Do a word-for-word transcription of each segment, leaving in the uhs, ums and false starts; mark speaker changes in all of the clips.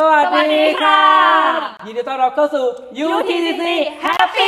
Speaker 1: วัสดีค่ะยินดีต้อนรับเข้าสู่ ยู ที ซี ซี Happy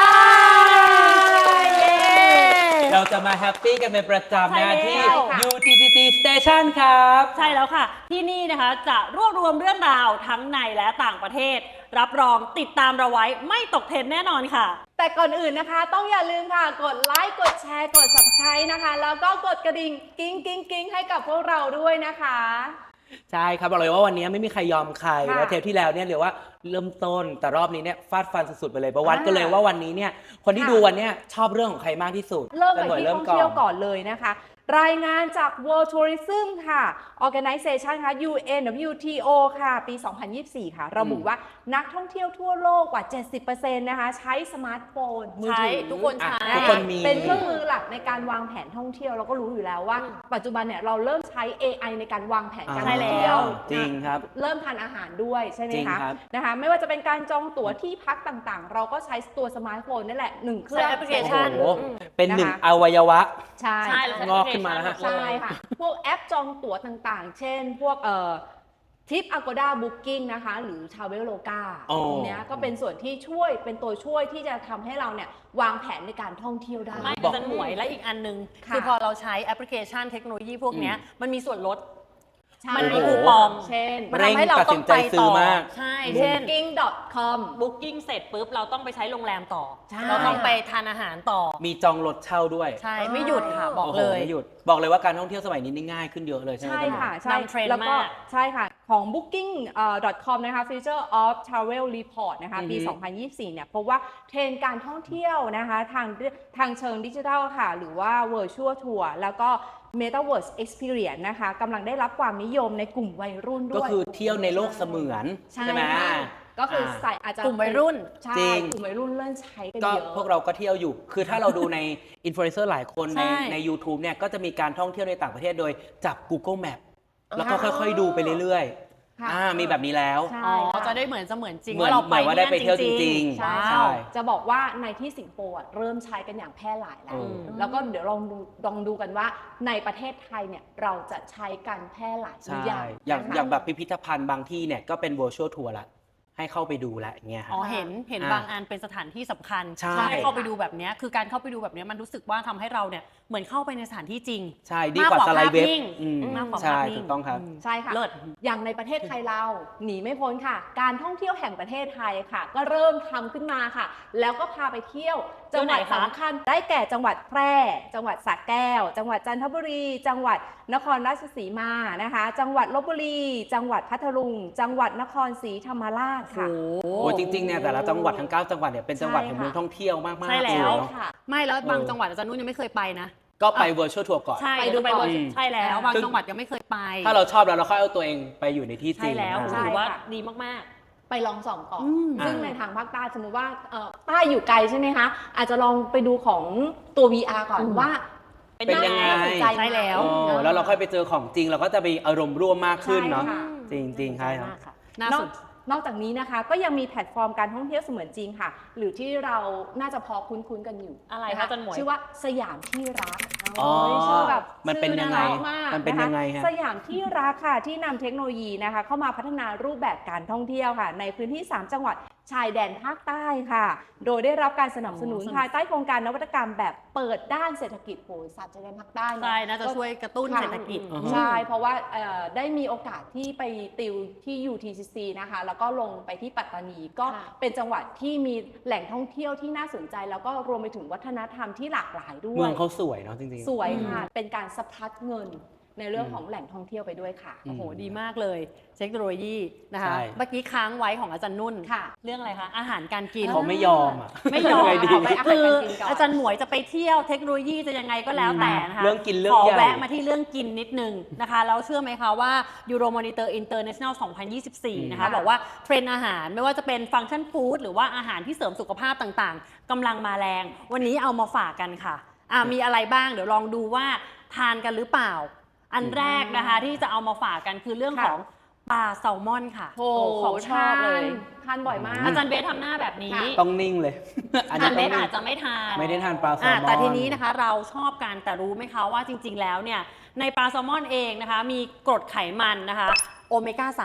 Speaker 1: Life เราจะมาแฮปปี้กันเป็นประจำนะที่ ยู ที ซี ซี Station ครับ
Speaker 2: ใช่แล้วค่ะที่นี่นะคะจะรวบรวมเรื่องราวทั้งในและต่างประเทศรับรองติดตามเราไว้ไม่ตกเทรนด์แน่นอนค่ะ
Speaker 3: แต่ก่อนอื่นนะคะต้องอย่าลืมค่ะกดไลค์กดแชร์กด ซับสไครบ์ นะคะแล้วก็กดกระดิ่งกิ้งกิ้งกิ้งให้กับพวกเราด้วยนะคะ
Speaker 1: ใช่ครับบอกเลยว่าวันนี้ไม่มีใครยอมใครแล้วเทปที่แล้วเนี่ยเรียกว่าเริ่มต้นแต่รอบนี้เนี่ยฟาดฟันสุดๆไปเลยประวัติกันเลยว่าวันนี้เนี่ยคนที่ดูวันนี้ชอบเรื่องของใครมากที่สุด
Speaker 3: เริ่มไปที่ท่องเที่ยวก่อนเลยนะคะรายงานจาก World Tourism ค่ะ Organization ค่ะ ยู เอ็น ดับเบิลยู ที โอ ค่ะปี สองพันยี่สิบสี่ ค่ะระบุว่านักท่องเที่ยวทั่วโลกกว่า เจ็ดสิบเปอร์เซ็นต์ นะคะใช้สมาร์ทโฟนมือถือ
Speaker 2: ทุกคนใช้
Speaker 1: ทุกคนมี
Speaker 3: เป็นเครื่องมือหลักในการวางแผนท่องเที่ยวเราก็รู้อยู่แล้วว่าปัจจุบันเนี่ยเราเริ่มใช้ เอ ไอ ในการวางแผนการท่องเที่ยว
Speaker 1: จริงครับ
Speaker 3: เริ่มทานอาหารด้วยใช่ไหมคะนะคะไม่ว่าจะเป็นการจองตั๋วที่พักต่างๆเราก็ใช้ตัวสมาร์ทโฟนนี่แหละหนึ่งเครื่อง
Speaker 2: แอปพลิเคชัน
Speaker 1: เป็นหนึ่งอวัยวะ
Speaker 3: ใช่
Speaker 1: งอกขึ้นมาแล้ว
Speaker 3: ใช่ค่ะพวกแอปจองตั๋วต่างๆเช่นพวกเอ่อทิป Agoda Booking นะคะหรือ Traveloka ตรงนี้ก็เป็นส่วนที่ช่วยเป็นตัวช่วยที่จะทำให้เราเนี่ยวางแผนในการท่องเที่ยวได้
Speaker 2: ไม่จะหน่วยและอีกอันนึงคือพอเราใช้แอปพลิเคชันเทคโนโลยีพวกนี้มันมีส่วนลดมันมีคูปอง
Speaker 3: เช่น
Speaker 2: มันทำให้เราต้องไปต่อใช่เช่น
Speaker 3: บุ๊กกิ้ง ดอท คอม
Speaker 2: บุ๊กกิ้ง เสร็จปุ๊บเราต้องไปใช้โรงแรมต่อเราต้องไปทานอาหารต่อ
Speaker 1: มีจองรถเช่าด้วย
Speaker 2: ใช่ไม่หยุดค่ะบอกเลย
Speaker 1: ไม่หยุดบอกเลยว่าการท่องเที่ยวสมัยนี้นี่ง่ายขึ้นเยอะเลยใช่ไหม
Speaker 3: ใช่ค่ะใช่
Speaker 2: นำเทรนด์มาก
Speaker 3: ใช่ค่ะของ บุ๊กกิ้ง ดอท คอม นะคะ Future of Travel Report นะคะปี สองพันยี่สิบสี่ เนี่ยพบว่าเทรนด์การท่องเที่ยวนะคะทางทางเชิงดิจิทัลค่ะหรือว่า Virtual Tour แล้วก็ Metaverse Experience นะคะกำลังได้รับความนิยมในกลุ่มวัยรุ่นด้วย
Speaker 1: ก็คือเที่ยวในโลกเสมือนใช่ไหม
Speaker 3: ก็คือใส่อาจจะ
Speaker 2: กลุ่มวัยรุ่น
Speaker 3: ใช่กลุ่มวัยรุ่นเริ่มใช้กันเยอะ
Speaker 1: ก็พวกเราก็เที่ยวอยู่คือถ้าเราดูในอินฟลูเอนเซอร์หลายคนในใน YouTube เนี่ยก็จะมีการท่องเที่ยวในต่างประเทศโดยจับ Google Map แล้วก็ค่อยๆดูไปเรื่อยๆอ่ามีแบบนี้แล้ว
Speaker 2: อ๋อจะได้เหมือนเสมือนจริง
Speaker 1: ว่าเราไปว่าได้ไปเที่ยวจริง
Speaker 3: ๆใช่จะบอกว่าในที่สิงคโปร์เริ่มใช้กันอย่างแพร่หลายแล้วแล้วก็เดี๋ยวลองดูลองดูกันว่าในประเทศไทยเนี่ยเราจะใช้กันแพร่หลายหรือยัง
Speaker 1: อย่างอย่างแบบพิพิธภัณฑ์บางที่เนี่ยก็เป็น virtual tour ละให้เข้าไปดูแหละเงี้ย
Speaker 2: อ๋อเห็นเห็นบางอันเป็นสถานที่สำคัญให้เข้าไปดูแบบนี้คือการเข้าไปดูแบบนี้มันรู้สึกว่าทำให้เราเนี่ยเหมือนเข้าไปในสถานที่จริง
Speaker 1: ใช่ดีกว่าสไลด์เว็บ
Speaker 2: มากกว่า
Speaker 1: ใช่ถูกต้องครับ
Speaker 3: ใช่ค่ะอย่างในประเทศไทยเราหนีไม่พ้นค่ะการท่องเที่ยวแห่งประเทศไทยค่ะก็เริ่มทำขึ้นมาค่ะแล้วก็พาไปเที่ยวจังหวัดสำคัญได้แก่จังหวัดแพร่จังหวัดสระแก้วจังหวัดจันทบุรีจังหวัดนครราชสีมานะคะจังหวัดลพบุรีจังหวัดพัทลุงจังหวัดนครศรีธรรมราชค่ะ
Speaker 1: โอ้จริงๆเนี่ยแต่ละจังหวัดทั้งเก้าจังหวัดเนี่ยเป็นจังหวัดแห่งเมืองท่องเที่ยวมากๆ
Speaker 2: ใช่แล้วไม่แล้วบางจังหวัดอาจารย์นุ่นยังไม่เคยไปนะ
Speaker 1: ก็ไป virtual tour ก่อน
Speaker 2: ใช่ดูไปใช่แล้วบางจังหวัดยังไม่เคยไป
Speaker 1: ถ้าเราชอบแล้วเราค่อยเอาตัวเองไปอยู่ในที่จริง
Speaker 2: ใช่แล้วถือว่าดีมาก
Speaker 3: ๆไปลองส่องก่อนซึ่งในทางภาคใต้สมมติว่าใต้อยู่ไกลใช่ไหมคะอาจจะลองไปดูของตัว วี อาร์ ก่อนว่า
Speaker 1: เป็นยังไง
Speaker 2: ใช่แล้ว
Speaker 1: แล้วเราค่อยไปเจอของจริงเราก็จะมีอารมณ์ร่วมมากขึ้นเนาะจริงๆใช่ครับ
Speaker 2: น่าสนใจ
Speaker 3: นอกจากนี้นะคะก็ยังมีแพลตฟอร์มการท่องเที่ยวเสมือนจริงค่ะหรือที่เราน่าจะพอคุ้นๆกันอยู่
Speaker 2: อะไรคะจันหมวย
Speaker 3: ชื่อว่าสยามที่รัก
Speaker 1: อ๋อชื่อแบบมันเป็นยังไงมันเป็นยังไง
Speaker 3: สยามที่รักค่ะที่นำเทคโนโลยีนะคะเข้ามาพัฒนารูปแบบการท่องเที่ยวค่ะในพื้นที่สามจังหวัดชายแดนภาคใต้ค่ะโดยได้รับการสนับสนุนภายใต้โครงการนวัตกรรมแบบเปิดด้านเศรษฐกิจโหสามชายแดนภาคใต้
Speaker 2: ใช่น่าจะช่วยกระตุ้นเศรษฐกิจ
Speaker 3: ใช่เพราะว่าได้มีโอกาสที่ไปติวที่ ยู ที ซี ซี นะคะแล้วก็ลงไปที่ปัตตานีก็เป็นจังหวัดที่มีแหล่งท่องเที่ยวที่น่าสนใจแล้วก็รวมไปถึงวัฒนธรรมที่หลากหลายด้วย
Speaker 1: เมืองเขาสวยเนาะจริง
Speaker 3: ๆสวยค่ะเป็นการสะพัดเงินในเรื่องของแหล่งท่องเที่ยวไปด้วยค่ะ
Speaker 2: โอ้โหดีมากเลยเทคโนโลยีนะคะเมื่อกี้ค้างไว้ของอาจารย์นุ่นเรื่องอะไรคะอาหารการกิน
Speaker 1: เขาไม่ยอมอ่ะ
Speaker 2: ไม่ยอมคืออาจารย์หมวยจะไปเที่ยวเทคโนโลยีจะยังไงก็แล้วแต่นะคะ
Speaker 1: เรื่องกินเรื่อง
Speaker 2: ขอแวะมาที่เรื่องกินนิดนึงนะคะแล้วเชื่อไหมคะว่า Euro Monitor International สองพันยี่สิบสี่นะคะบอกว่าเทรนด์อาหารไม่ว่าจะเป็นฟังก์ชันฟู้ดหรือว่าอาหารที่เสริมสุขภาพต่างๆกำลังมาแรงวันนี้เอามาฝากกันค่ะอ่ามีอะไรบ้างเดี๋ยวลองดูว่าทานกันหรือเปล่าอันแรกนะคะที่จะเอามาฝากกันคือเรื่องของปลาแซลมอนค่ะ
Speaker 3: โอ้ของชอบเลยทานบ่อยมาก
Speaker 2: อาจารย์เบสทำหน้าแบบนี้
Speaker 1: ต้องนิ่งเลย
Speaker 2: อาจารย์เบสอาจจะไม่ทาน
Speaker 1: ไม่ได้ทานปลาแซลมอน
Speaker 2: แต่ทีนี้นะคะเราชอบกันแต่รู้ไหมคะว่าจริงๆแล้วเนี่ยในปลาแซลมอนเองนะคะมีกรดไขมันนะคะโอเมก้าสาม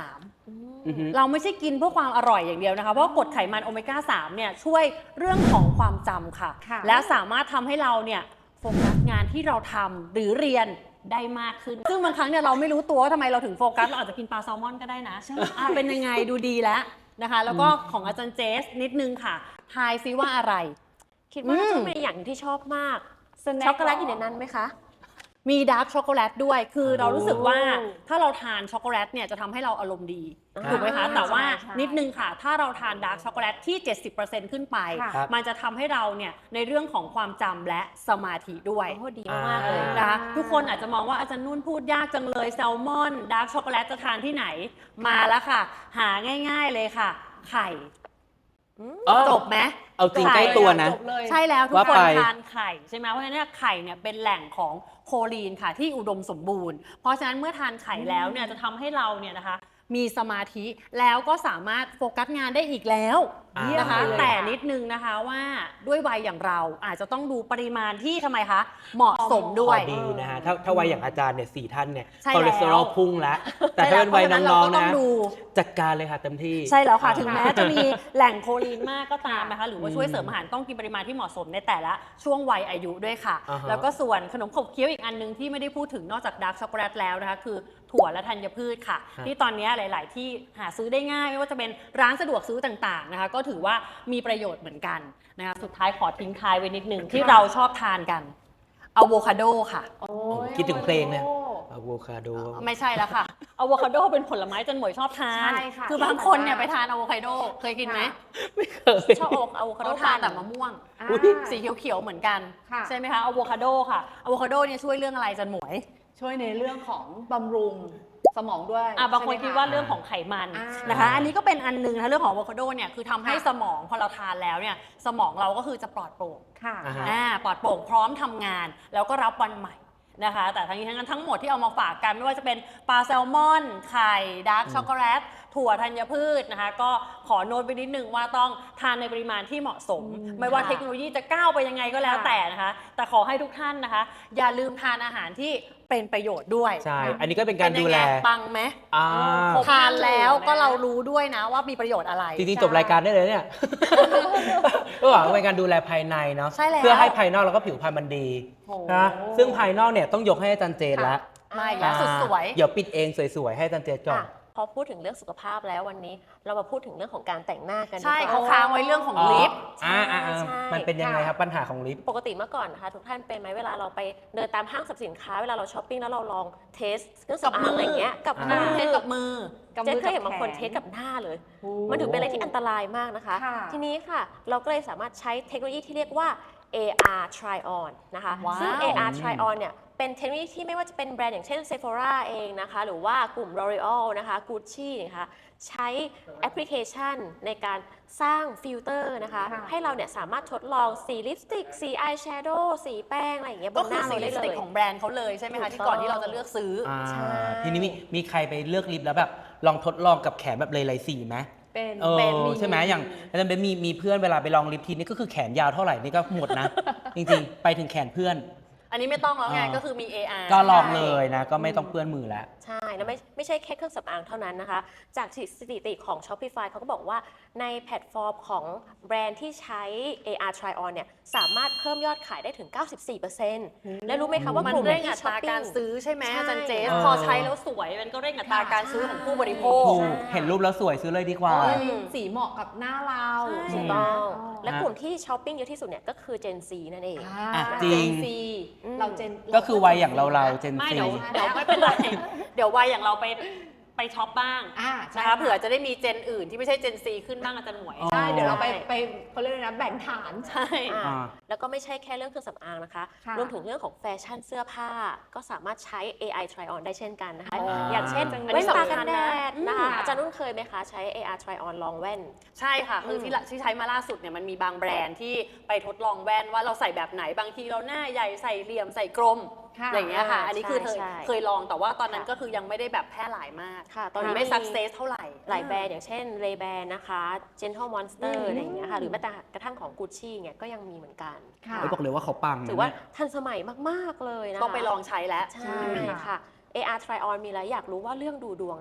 Speaker 1: อือฮึ
Speaker 2: เราไม่ใช่กินเพื่อความอร่อยอย่างเดียวนะคะ เพราะกรดไขมันโอเมก้า สามเนี่ยช่วยเรื่องของความจำค่ะ
Speaker 3: ค่ะ
Speaker 2: และสามารถทำให้เราเนี่ยโฟกัสงานที่เราทำหรือเรียนได้มากขึ้น ซึ่งบางครั้งเนี่ยเราไม่รู้ตัวว่าทำไมเราถึงโฟกัส เราอาจจะกินปลาแซลมอนก็ได้นะอ่ะเป็นยังไงดูดีแล้วนะคะ แล้วก็ของอาจารย์เจสนิดนึงค่ะ ทายซิว่าอะไร
Speaker 4: คิดว่าน่า
Speaker 2: อื
Speaker 4: จะ
Speaker 2: ม
Speaker 4: เป็นอย่างที่ชอบมาก
Speaker 3: สแน็ค
Speaker 4: ช็อกโกแลตอยู่ในนั้นไหมคะ
Speaker 2: มีดาร์กช็อกโกแลตด้วย คือเรารู้สึกว่า
Speaker 3: โอ้
Speaker 2: ถ้าเราทานช็อกโกแลตเนี่ยจะทำให้เราอารมณ์ดี
Speaker 4: อ่า
Speaker 2: ถูกไหมคะ แต่ว่า
Speaker 3: ใช่
Speaker 2: นิดนึงค่ะ ถ้าเราทานดาร์กช็อกโกแลตที่ เจ็ดสิบเปอร์เซ็นต์ ขึ้นไป
Speaker 3: ค่ะ
Speaker 1: ครับ
Speaker 2: มันจะทำให้เราเนี่ยในเรื่องของความจำและสมาธิด้วย
Speaker 4: โอ้ดีมากๆเลย
Speaker 1: อ่า
Speaker 2: นะคะทุกคนอาจจะมองว่าอาจารย์นุ่นพูดยากจังเลยแซลมอนดาร์กช็อกโกแลตจะทานที่ไหน มาแล้วค่ะ หาง่ายๆเลยค่ะ ไข่
Speaker 1: อ๋อ
Speaker 2: จบไหม
Speaker 1: เอาจริงใกล้ตัวนะ
Speaker 3: จบเลย
Speaker 2: ใช่แล้วทุก
Speaker 1: ว่า
Speaker 2: คน
Speaker 1: ไป
Speaker 2: ทานไข่ใช่ไหมเพราะฉะนั้นเนยไข่เนี่ยเป็นแหล่งของโคลีนค่ะที่อุดมสมบูรณ์ เพราะฉะนั้นเมื่อทานไข่แล้วเนี่ยจะทำให้เราเนี่ยนะคะมีสมาธิแล้วก็สามารถโฟกัสงานได้อีกแล้ว
Speaker 1: อ่า
Speaker 2: นะคะ
Speaker 3: เยี่ยมเลย
Speaker 2: แต่นิดนึงนะคะว่าด้วยวัยอย่างเราอาจจะต้องดูปริมาณที่ทำไมคะเหมาะสมด้
Speaker 1: พ
Speaker 2: ว
Speaker 1: อย ดีนะฮะถ้าถ้าวัยอย่างอาจารย์เนี่ยสี่ท่านเนี่ย
Speaker 2: ใช่
Speaker 1: คอเลสเตอรอล
Speaker 2: แล้ว
Speaker 1: พุ่งแล้ว แต่ถ้าเป็นวัย
Speaker 2: ใช่แล้ว
Speaker 1: น้องๆ
Speaker 2: เพราะฉะนั้นเราก็ต้
Speaker 1: นะ
Speaker 2: องดู
Speaker 1: จัดการเลยค่ะเต็มที่
Speaker 2: ใช่แล้วค่ะ
Speaker 1: อ่า
Speaker 2: ถึงแม้จะมีแหล่งโคลีนมากก็ตามนะคะ หรือว่า
Speaker 1: อืม
Speaker 2: ช่วยเสริมอาหารต้องกินปริมาณที่เหมาะสมในแต่ละช่วงวัยอายุด้วยค่ะ
Speaker 1: อ่าฮะ
Speaker 2: แล้วก็ส่วนขนมขบเคี้ยวอีกอันนึงที่ไม่ได้พูดถึงนอกจากดาร์กช็อกโกแลตแล้วนะคะ คือถั่วและธัญพืชค่ะ ที่ตอนนี้หลาย ๆ ที่หาซื้อได้ง่ายไม่ว่าจะเป็นร้านสะดวกซื้อต่าง ๆ นะคะ ก็ถือว่ามีประโยชน์เหมือนกันนะคะสุดท้ายขอทิ้งท้ายไว้นิดนึงที่เราชอบทานกันอะโวคาโดค่ะ
Speaker 3: โอ้ย
Speaker 1: คิดถึงเพลงเนี่ย อะโวคาโด
Speaker 2: ไม่ใช่แล้วค่ะอะโวคาโดเป็นผลไม้จันหมวยชอบทาน
Speaker 3: ใช่ค่ะ
Speaker 2: คือบางคนเนี่ยไปทานอะโวคาโดเคยกินไหม
Speaker 1: ไม่เคย
Speaker 2: ชอบอะโวคาโดทานแต่มะม่วง
Speaker 3: อ่า
Speaker 2: สีเขียวๆเหมือนกัน
Speaker 3: ค่ะ
Speaker 2: ใช่ไหมคะอะโวคาโดค่ะอะโวคาโดเนี่ยช่วยเรื่องอะไรจันหมวย
Speaker 3: ช่วยในเรื่องของบำรุงสมองด้วย
Speaker 2: อ่ะบางคน
Speaker 3: ใช่ไหม
Speaker 2: คิดว่าเรื่องของไขมัน
Speaker 3: อ่าน
Speaker 2: นะคะ อันนี้ก็เป็นอันหนึงนะเรื่องของอะโวคาโดเนี่ยคือทำให้
Speaker 3: ค่ะ
Speaker 2: สมองพอเราทานแล้วเนี่ยสมองเราก็คือจะปลอดโปร่ง
Speaker 3: ค่ะ
Speaker 1: อ่าฮะ
Speaker 2: อ่าปลอดโปร่งพร้อมทำงาน แล้วก็รับวันใหม่นะคะ แต่ทั้งนี้ทั้งนั้นทั้งหมดที่เอามาฝากกันไม่ว่าจะเป็นปลาแซลมอนไข่ดาร์กช็อกโกแลตถั่วธัญพืชนะคะ ก็ขอโน้ตไปนิดนึงว่าต้องทานในปริมาณที่เหมาะสม
Speaker 3: อืม
Speaker 2: ไม่ว่า
Speaker 3: ค่ะ
Speaker 2: เทคโนโลยีจะก้าวไปยังไงก็แล้ว
Speaker 3: ค่ะ
Speaker 2: แต่นะคะ แต่ขอให้ทุกท่านนะคะ อย่าลืมทานอาหารที่เป็นประโยชน์ด้วย
Speaker 1: ใช่ อันนี้ก็เป็นการ
Speaker 2: เป็น
Speaker 1: ดู
Speaker 2: ยัง
Speaker 1: แล
Speaker 2: ไงปังไหม
Speaker 1: อ่า
Speaker 3: ครบ
Speaker 2: ทานแล้ว
Speaker 3: ห้าหมู่นะ
Speaker 2: ก็เรารู้ด้วยนะว่ามีประโยชน์อะไร
Speaker 1: จริงๆจบรายการได้เลยเนี่ย ก็หวังเป็นการดูแลภายในเนาะ
Speaker 2: ใช่แล้ว
Speaker 1: เพื่อให้ภายนอกแล้วก็ผิวพรรณมันดี
Speaker 3: โอ้
Speaker 1: นะซึ่งภายนอกเนี่ยต้องยกให้อาจารย์เจนแล้ว
Speaker 2: มาอีกแล้วสุดสวย
Speaker 1: เดี๋ยวปิดเองสวยๆ ให้อาจารย์เจนก่อน
Speaker 4: อ่ะพอพูดถึงเรื่องสุขภาพแล้ววันนี้ เรามาพูดถึงเรื่องของการแต่งหน้ากันดี
Speaker 2: ใช่
Speaker 4: กว่
Speaker 2: เขาค้างไว้เรื่องของ
Speaker 1: อ๋อ
Speaker 2: ลิป
Speaker 1: อ่าอ่าอ่า
Speaker 4: ใช่
Speaker 1: มันเป็นยังไงครับปัญหาของลิฟต์
Speaker 4: ปกติเมื่อก่อนนะคะทุกท่านเป็นไหมเวลาเราไปเดินตามห้างสรรพสินค้าเวลาเราช้อปปิ้งแล้วเราลองเทสเครื่องสำอางอะไรอย่างเงี้ยกับ
Speaker 1: อ่า
Speaker 4: มือ
Speaker 2: เทสกับมือ
Speaker 3: กับ
Speaker 4: เจ๊
Speaker 3: มือ
Speaker 4: เคยเห็น
Speaker 3: กับบ
Speaker 4: างคน
Speaker 3: แข
Speaker 4: เทสกับหน้าเลย
Speaker 3: โอ้
Speaker 4: มันถือเป็นอะไรที่อันตรายมากนะคะ
Speaker 3: ค่ะ
Speaker 4: ทีนี้ค่ะ เราก็เลยสามารถใช้เทคโนโลยีที่เรียกว่า เอ อาร์ Try On นะคะ
Speaker 2: ว้าว
Speaker 4: ซึ่ง เอ อาร์ Try On เนี่ยเป็นเทคโนโลยีที่ไม่ว่าจะเป็นแบรนด์อย่างเช่น Sephora เองนะคะ หรือว่ากลุ่ม L'Oreal นะคะ Gucci นะคะใช้แอปพลิเคชันในการสร้างฟิลเตอร์นะคะ
Speaker 3: ค่ะ
Speaker 4: ให้เราเนี่ยสามารถทดลองสีลิปสติก สีอายแชโดว์สีแป้ง อะไรอย่างเงี้ยบ
Speaker 2: ก็
Speaker 4: นห
Speaker 2: คือ
Speaker 4: น้า
Speaker 2: สี
Speaker 4: เรา
Speaker 2: ลิ
Speaker 4: ได้
Speaker 2: ปส
Speaker 4: เล
Speaker 2: ติก
Speaker 4: ย
Speaker 2: ของแบรนด์เขาเลยใช่ไหมคะ
Speaker 4: ถู
Speaker 2: ที่
Speaker 4: ก
Speaker 2: ก่อน
Speaker 4: ต้อง
Speaker 2: ที่เราจะเลือกซื้ออ
Speaker 1: อ่า
Speaker 4: ใช่
Speaker 1: ทีนี้มีมีใครไปเลือกลิฟต์แล้วแบบลองทดลองกับแขนแบบหลายๆสีไหม
Speaker 3: เป็น
Speaker 1: เออ
Speaker 3: เป็นมี
Speaker 1: ใช่ไหมอย่างอาจารย์เบนมีมีเพื่อนเวลาไปลองลิฟต์ทีนี่ก็คือแขนยาวเท่าไหร่นี่ก็หมดนะ จริงๆ ไปถึงแขนเพื่อน
Speaker 2: อันนี้ไม่ต้องแล้วไง
Speaker 1: อ่า
Speaker 2: ก็คือมี เอ อาร์
Speaker 1: ก็ลองเลยนะ ก็ไม่ต้องเปื้อนมือแล้ว
Speaker 4: ใช่ แล้วไม่ไม่ใช่แค่เครื่องสำอางเท่านั้นนะคะ จากสถิติของ Shopify เขาก็บอกว่าในแพลตฟอร์มของแบรนด์ที่ใช้ เอ อาร์ Try On เนี่ยสามารถเพิ่มยอดขายได้ถึง เก้าสิบสี่เปอร์เซ็นต์ และรู้ไหมคะว่า
Speaker 2: มัน
Speaker 4: กลุ่ม
Speaker 2: เร่ง
Speaker 4: ที่
Speaker 2: อัต
Speaker 4: ช้อป
Speaker 2: รา
Speaker 4: ปิ้
Speaker 2: การ
Speaker 4: ง
Speaker 2: ซื้อใช่ไหม
Speaker 4: ใช่
Speaker 2: อาจารย์เจส
Speaker 1: เออ
Speaker 2: พอใช้แล้วสวยมันก็เร่งอัตราการซื้อของผู้บริโภค
Speaker 1: ถูกเห็นรูปแล้วสวยซื้อเลยดีกว่า
Speaker 3: โอ้ยสีเหมาะกับหน้าเรา
Speaker 2: ใช่
Speaker 4: ถูกต้อง
Speaker 3: อ๋อ
Speaker 4: และกลุ่มที่ช้อปปิ้งเยอะที่สุดเนี่ยก็คือ Gen Z นั่นเอง
Speaker 1: อ่ะจริง
Speaker 3: เจนซี
Speaker 4: อืม
Speaker 3: เราเจน
Speaker 1: ก็คือวัยอย่างเราเราเจน
Speaker 2: ไม่
Speaker 1: ซี
Speaker 2: เดี๋ยวเดี๋ยวไม่เป็นไร เดี๋ยววัยอย่างเราไปไปช็อปบ้าง
Speaker 3: อ่าใช่
Speaker 2: นะคะเผื่อจะได้มีเจนอื่นที่ไม่ใช่เจนซีขึ้นบ้างอาจารย์หมวย
Speaker 1: อ๋อ
Speaker 3: ใช่เดี๋ยวเราไปไปเขาเรียกอะไรนะแบ่งฐาน
Speaker 2: ใช่
Speaker 4: อ่า
Speaker 1: อ่า
Speaker 4: แล้วก็ไม่ใช่แค่เรื่องเครื่องสำอางนะคะ
Speaker 3: ค่ะ
Speaker 4: รวมถึงเรื่องของแฟชั่นเสื้อผ้า ก็สามารถใช้ เอ ไอ Try On ได้เช่นกันนะคะ
Speaker 3: อ๋อ
Speaker 4: อ
Speaker 3: อย่าง
Speaker 4: เช่น
Speaker 2: อันนี้
Speaker 4: แว่นตา
Speaker 2: สำคั
Speaker 4: กั
Speaker 2: ญ
Speaker 4: นแด
Speaker 2: นะ
Speaker 4: ดนะคะ
Speaker 3: อืม
Speaker 4: อาจารย์นุ่นเคยไหมคะ ใช้ เอ อาร์ Try On ลองแว่น
Speaker 2: ใช่ค่ะ คือที่ละที่ใช้มาล่าสุดเนี่ยมันมีบางแบรนด์ที่ไปทดลองแว่นว่าเราใส่แบบไหนบางทีเราหน้าใหญ่ใส่เหลี่ยมใส่กลม
Speaker 3: ค่ะ
Speaker 2: อย่างเงี้ยค่ะ
Speaker 4: อ่า
Speaker 2: อันนี้คือเคย
Speaker 4: ใช่ใช่
Speaker 2: เคยลองแต่ว่าตอนนั้น
Speaker 4: ค่ะ
Speaker 2: ก็คือยังไม่ได้แบบแพร่หลายมาก
Speaker 4: ค่ะ ตอนนี้
Speaker 2: ไม่
Speaker 4: มี
Speaker 2: สักเซสเท่าไหร่
Speaker 4: หลายแบรนด์อย่างเช่น Ray-Ban นะคะ Gentle Monster
Speaker 3: อืม
Speaker 4: อะไรอย่างเงี้ยค่ะ หรือแม้แต่กระทั่งของ Gucci เนี่ยก็ยังมีเหมือนกัน
Speaker 3: ค่ะ
Speaker 1: เฮ้ยบอกเลยว่าเขาปังนะ
Speaker 4: ถือว่า
Speaker 1: เนี่ย
Speaker 4: ทันสมัยมาก ๆ เลยนะคะ
Speaker 2: ต้องไปลองใช้แล้ว
Speaker 4: ใช่ค่ะ เอ อาร์ Try On มีอะไรอยากรู้ว่าเรื่องดูดวงเนี่ย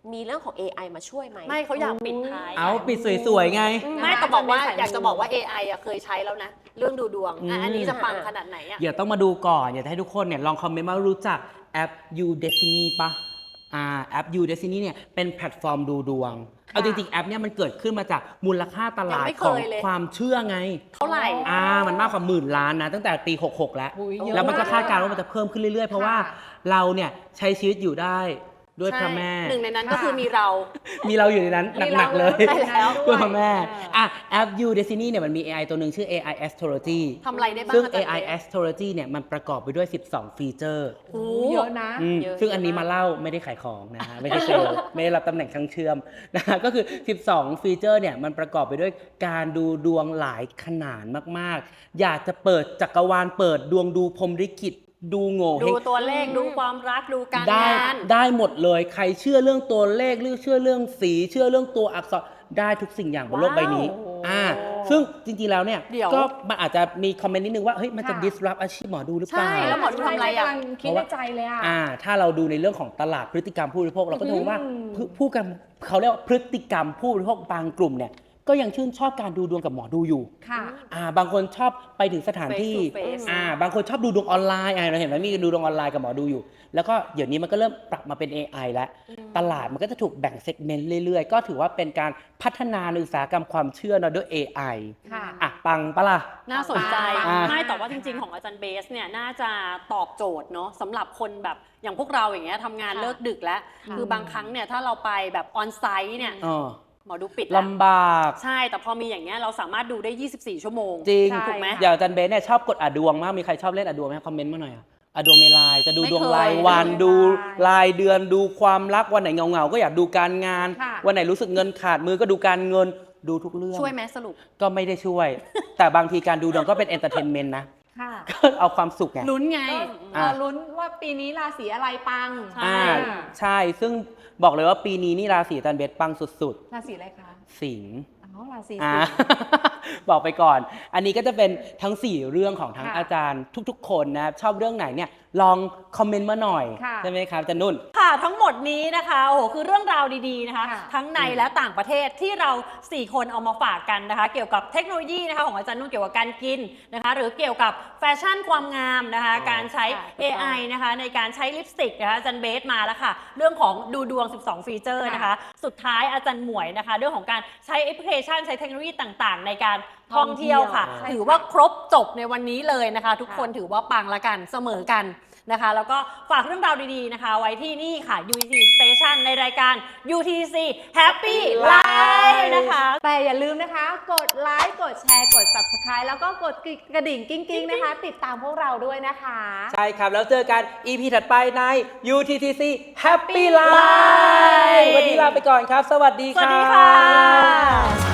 Speaker 4: มีเรื่องของ เอ ไอ มาช่วยไหม
Speaker 2: ไม่เขาอยากปิดท้าย
Speaker 1: เอาปิดสวยๆไง
Speaker 2: ไม่แต่บอกว่า
Speaker 3: อาจารย์เบส
Speaker 2: อยากจะบอกว่า เอ ไอ อ่ะเคยใช้แล้วนะ เรื่องดูดวงอ่ะอันนี้จะปังขนาดไหนอ่ะ
Speaker 1: เดี๋ยวต้องมาดูก่อน อยากจะให้ทุกคนเนี่ยลองคอมเมนต์มารู้จักแอป You Destiny ปะอ่าแอป You Destiny เนี่ยเป็นแพลตฟอร์มดูดวง เอาจริงๆ แอปเนี่ยมันเกิดขึ้นมาจากมูลค่าตลาด
Speaker 2: ยังไม่เค
Speaker 1: ของ
Speaker 2: ยเลย
Speaker 1: ความเชื่อไง
Speaker 2: เท่าไหร่
Speaker 1: อ่ามันมากกว่าหมื่นล้านนะตั้งแต่ปี หกหก แล้ว
Speaker 3: อุ๊ยเยอะ
Speaker 1: แล้วมันก็
Speaker 3: มาก
Speaker 1: คาดการณ์ว่ามันจะเพิ่มขึ้นเรื่อยๆ เพราะว่า
Speaker 3: ค่ะ
Speaker 1: เราเนี่ยใช้ชีวิตอยู่ได้ด้วยพระแม่
Speaker 2: หนึ่งในนั้นก็คือมีเรา
Speaker 1: มีเราอยู่ในนั้นหนักๆเลย
Speaker 3: มีเรา
Speaker 1: ด้วยพระแม่
Speaker 3: ด้วย
Speaker 1: อ่ะแอป You Destiny เนี่ยมันมี เอ ไอ ตัวหนึ่งชื่อ เอ ไอ Astrology
Speaker 2: ทำอะไรได้บ้าง
Speaker 1: ซึ่ง
Speaker 2: อา
Speaker 1: เอ
Speaker 2: จารย์
Speaker 1: ไอ
Speaker 2: เบส
Speaker 1: Astrology เนี่ยมันประกอบไปด้วย สิบสอง ฟีเจอร์
Speaker 2: โอ้
Speaker 3: เยอะนะ
Speaker 1: อืม
Speaker 2: เยอะ
Speaker 1: ซึ่งอันนี้
Speaker 2: เยอะ
Speaker 1: มา
Speaker 2: าก
Speaker 1: เล่าไม่ได้ขายของนะฮะ ไม่ได้เซลล์ ไม่ได้รับตำแหน่งช่างเชื่อมนะฮะก็คือ สิบสอง ฟีเจอร์เนี่ยมันประกอบไปด้วยการดูดวงหลายขนาดมากๆ อยากจะเปิดจักรวาลเปิดดวงดูพรหมลิขิตดูโง่เฮ
Speaker 2: ดู
Speaker 1: ง
Speaker 2: ตัวเลขดูความรักดูการ
Speaker 1: ได้
Speaker 2: งาน
Speaker 1: ได้หมดเลยใครเชื่อเรื่องตัวเลขหรือเชื่อเรื่องสีเชื่อเรื่องตัวอักษรได้ทุกสิ่งอย่างบนโลกใบนี้
Speaker 3: ว้าว
Speaker 1: อ่าซึ่งจริงๆแล้วเนี่ย
Speaker 2: เดี๋ยว
Speaker 1: ก็มันอาจจะมีคอมเมนต์นิดนึงว่าเฮ้ยมันจะ
Speaker 3: ค่ะ
Speaker 1: disrupt อาชีพหมอดูหรือเปล่า
Speaker 2: ใช่แล้วหมอดูทำอะไรอะ
Speaker 3: กำลังคิดในใจเลยอ่ะ
Speaker 1: อ่าถ้าเราดูในเรื่องของตลาดพฤติกรรมผู้บริโภคเราก็จะรู้ว่า
Speaker 3: อืม
Speaker 1: ผู้ผู้กันเขาเรียกว่าพฤติกรรมผู้บริโภคบางกลุ่มเนี่ยก็ยังชื่นชอบการดูดวงกับหมอดูอยู่
Speaker 3: ค่ะ
Speaker 1: อ่าบางคนชอบไปถึงสถานที่
Speaker 2: Face to face
Speaker 1: อ่าบางคนชอบดูดวงออนไลน์อ่าเราเห็นไหมมีดูดวงออนไลน์กับหมอดูอยู่ แล้วก็เดี๋ยวนี้มันก็เริ่มปรับมาเป็น เอ ไอ แล้ว ตลาดมันก็จะถูกแบ่งเซกเมนต์เรื่อยๆ ก็ถือว่าเป็นการพัฒนาในอุตสาหกรรมความเชื่อเนอะด้วย เอ ไอ
Speaker 3: ค่ะ
Speaker 1: อ่ะปังปะล่ะ
Speaker 2: น่าสนใจ
Speaker 1: อ่า
Speaker 2: ไม่แต่ว่าจริง ๆ ของอาจารย์เบสเนี่ยน่าจะตอบโจทย์เนาะสำหรับคนแบบอย่างพวกเราอย่างเงี้ยทำงาน
Speaker 4: ค่ะ
Speaker 2: เลิกดึกแล้ว
Speaker 3: ค่ะ
Speaker 2: คือบางครั้งเนี่ยถ้าเราไปแบบออนไซต์เนี่ย
Speaker 1: อ๋อ
Speaker 2: หมอดูปิดแล้ว
Speaker 1: ลำบาก
Speaker 2: ใช่แต่พอมีอย่างเงี้ยเราสามารถดูได้ ยี่สิบสี่ ชั่วโมง
Speaker 1: จริง
Speaker 3: ใช่
Speaker 2: ถูกไหม
Speaker 1: อย่างอาจารย์เบสเนี่ยชอบกดอ่ะดวงมาก มีใครชอบเล่นอ่ะดวงไหมคอมเมนต์มาหน่อยอ่ะอ่ะดวงในไลน์จะดู
Speaker 2: ไม่
Speaker 1: ดวง
Speaker 2: เคย
Speaker 1: รายวัน
Speaker 3: ไม่เคย
Speaker 1: ดูรายเดือนดูความรักวันไหนเงาๆก็อยากดูการงาน
Speaker 3: ค่ะ
Speaker 1: วันไหนรู้สึกเงินขาดมือก็ดูการเงินดูทุกเรื่อง
Speaker 2: ช่วยไหมสรุป
Speaker 1: ก็ไม่ได้ช่วย แต่บางทีการดูดวงก็เป็นเอนเตอร์เทนเมนต์นะ
Speaker 3: ค่ะ
Speaker 1: ก็เอาความสุขไง
Speaker 2: ลุ้นไง
Speaker 3: ก็เอ่อลุ้นว่าปีนี้ราศีอะไรปัง
Speaker 2: ใช่
Speaker 1: อ่าใช่ซึ่งบอกเลยว่าปีนี้นี่ราศีอาจารย์เบสปังสุด
Speaker 3: ราศีอะไรคะ
Speaker 1: ๆ สิงห์
Speaker 3: อ๋อราศี
Speaker 1: อ่า
Speaker 3: สิงห์
Speaker 1: บอกไปก่อน อันนี้ก็จะเป็นทั้ง สี่ เรื่องของทั้ง
Speaker 3: ค่ะ
Speaker 1: อาจารย์ทุกๆ คนนะครับชอบเรื่องไหนเนี่ยลองคอมเมนต์มาหน่อย
Speaker 3: ค่ะ
Speaker 1: ใช่ไหมครับอาจารย์นุ่น
Speaker 2: ค่ะทั้งหมดนี้นะคะโอ้โหคือเรื่องราวดีๆนะคะ
Speaker 3: ค่ะ
Speaker 2: ทั้งในและต่างประเทศที่เราสี่คนเอามาฝากกันนะคะ เกี่ยวกับเทคโนโลยีนะคะของอาจารย์นุ่นเกี่ยวกับการกินนะคะ หรือเกี่ยวกับแฟชั่นความงามนะคะ
Speaker 1: อ๋อ
Speaker 2: การใช้
Speaker 3: ค่ะ
Speaker 2: เอ ไอ นะคะในการใช้ลิปสติกนะคะอาจารย์เบสมาแล้วค่ะ เรื่องของดูดวง สิบสอง ฟีเจอร์นะคะ สุดท้ายอาจารย์หมวยนะคะ เรื่องของการใช้แอปพลิเคชันใช้เทคโนโลยีต่างๆ ในการท่องเที่ยวค่ะ
Speaker 3: ท่องเที่ยว
Speaker 2: ถือว่าครบจบในวันนี้เลยนะคะ ทุกคนถือว่าปังละกันเสมอกัน นะคะแล้วก็ฝากเรื่องราวดีๆนะคะ ไว้ที่นี่ค่ะ ยู ที ซี Station ในรายการ ยู ที ซี Happy Life นะคะ
Speaker 3: แต่อย่าลืมนะคะ กดไลค์ กดแชร์ กด Subscribe แล้วก็กดกระดิ่งกิ้งๆนะคะ ติดตามพวกเราด้วยนะคะ
Speaker 1: ใช่ครับ แล้วเจอกัน อี พี ถัดไปใน ยู ที ที ซี Happy Life วันนี้ลาไปก่อนครับ สวัสดี
Speaker 2: สวัส
Speaker 1: ครั
Speaker 2: ดีค่ะ
Speaker 1: บ